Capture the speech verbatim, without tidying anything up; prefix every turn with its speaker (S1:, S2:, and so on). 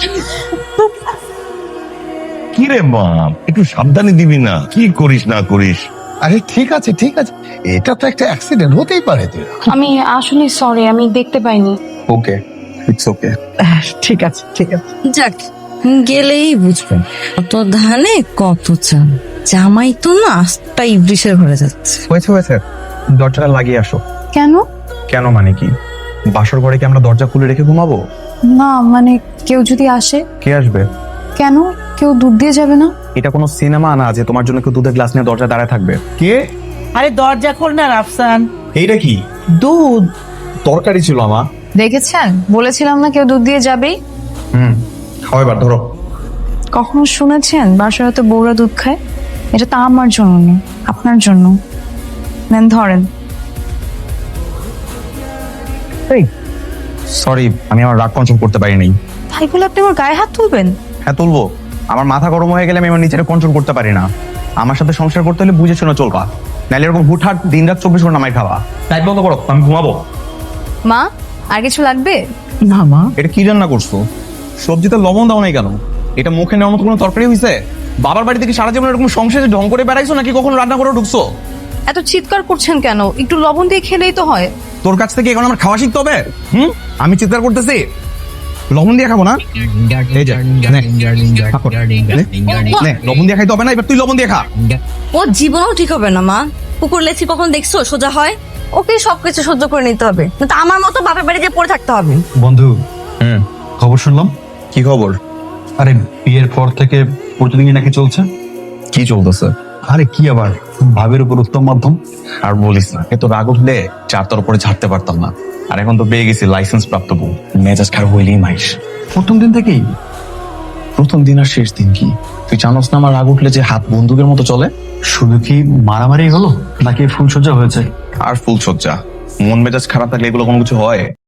S1: কি রে মা, একটু সাবধানে দিবি না, কি করিস না করিস।
S2: আরে ঠিক আছে ঠিক আছে, এটা তো একটা অ্যাক্সিডেন্ট, হতেই পারে। তুই
S3: আমি আসলে সরি, আমি দেখতে পাইনি।
S2: Okay, it's okay. ঠিক আছে ঠিক আছে।
S4: যাক, গেলেই বুঝবেন কত ধানে কত চাল। জামাই তো না আস্তা ইবলিশের ঘরে যাচ্ছে।
S5: হয়েছে হয়েছে, দরজাটা লাগিয়ে আসো।
S3: কেন?
S5: কেন মানে কি? বাসর ঘরে কি আমরা দরজা খুলে রেখে ঘুমাবো?
S3: না মানে কেউ যদি আসে?
S5: কে আসবে?
S3: কেন, কেউ দুধ দিয়ে যাবে না?
S5: এটা কোনো সিনেমা না যে তোমার জন্য কেউ দুধের গ্লাস নিয়ে দরজা দাঁড়ায় থাকবে। কে?
S6: আরে দরজা খোল না রাফসান।
S5: এইটা কি?
S6: দুধ।
S5: তরকারি ছিল আমা।
S3: দেখেছেন, বলেছিলাম না কেউ দুধ দিয়ে যাবেই।
S5: হুম, খাও এবার ধরো।
S3: কখনো শুনেছেন বাসায় হয়তো বউরা দুধ খায়? এটা তা আমার জন্য না, আপনার জন্য। নেন ধরেন।
S5: সরি, আমি আমার রাগ কন্ট্রোল করতে পারিনি।
S3: তাই বলে আপনি আমার গায়ে হাত তুলবেন?
S5: হ্যাঁ তুলবো। আমার মাথা গরম হয়ে গেলে আমি আমার নিজেকে কন্ট্রোল করতে পারি না। আমার সাথে সংসার করতে হলে বুঝে শুনে চলবা, নাহলে এরকম হুটহাট দিন রাত চব্বিশ ঘন্টা নামাই খাওয়া। তাই বন্ধ করো, আমি ঘুমাবো।
S3: মা, আর কিছু লাগবে?
S6: না মা,
S5: এটা কি রান্না করছো? সবজিতে লবণ দাও নাই কেন? এটা মুখে নেওয়ার মতো কোনো তরকারি হয়েছে? বাবার বাড়ি থেকে সারা জীবন এরকম সংসারে ঢং করে বেড়াইছো নাকি কখনো রান্না করে ঢুকছো?
S3: এত চিৎকার করছেন কেন? একটু লবণ দিয়ে খেলেই তো হয়।
S5: তোর কাছ থেকে এখন আমার খাওয়া শিখতে হবে? হুম, আমি চিৎকার করতেছি? লবণ দিয়ে খাবো না? এই যে, নে, খা কর। নে, নে, লবণ দিয়ে খাইতে হবে না, এবার তুই লবণ দিয়ে খা।
S4: ও জীবনও ঠিক হবে না মা। কুকুর লেছি কখন দেখছো সোজা হয়? ওকে সবকিছু সহ্য করে নিতে হবে, কিন্তু আমার মতো বাপের বাড়ি গিয়ে পড়ে থাকতে হবে।
S7: বন্ধু,
S5: হুম,
S7: খবর শুনলাম।
S5: কি খবর?
S7: আরে বিয়ের পর থেকে প্রতিদিনই নাকি চলছে।
S5: কি চলতেছে?
S7: আরে কি আবার, ভাবের উপর উত্তম মাধ্যম।
S5: আর বলিস না, এত রাগ উঠলে চার তোর উপরে ছাড়তে পারতাম না। আর এখন তো পেয়ে গেছি লাইসেন্স প্রাপ্ত বউ, মেজাজ খারাপ হইলেই মাইস।
S7: প্রথম দিন থেকেই?
S5: প্রথম দিন আর শেষ দিন কি? তুই জানোস না আমার রাগ উঠলে যে হাত বন্দুকের মতো চলে?
S7: শুধু কি মারামারি হলো নাকি ফুলসজ্জা হয়েছে?
S5: আর ফুলসজ্জা। মন মেজাজ খারাপ থাকলে এগুলো কোনো কিছু হয়?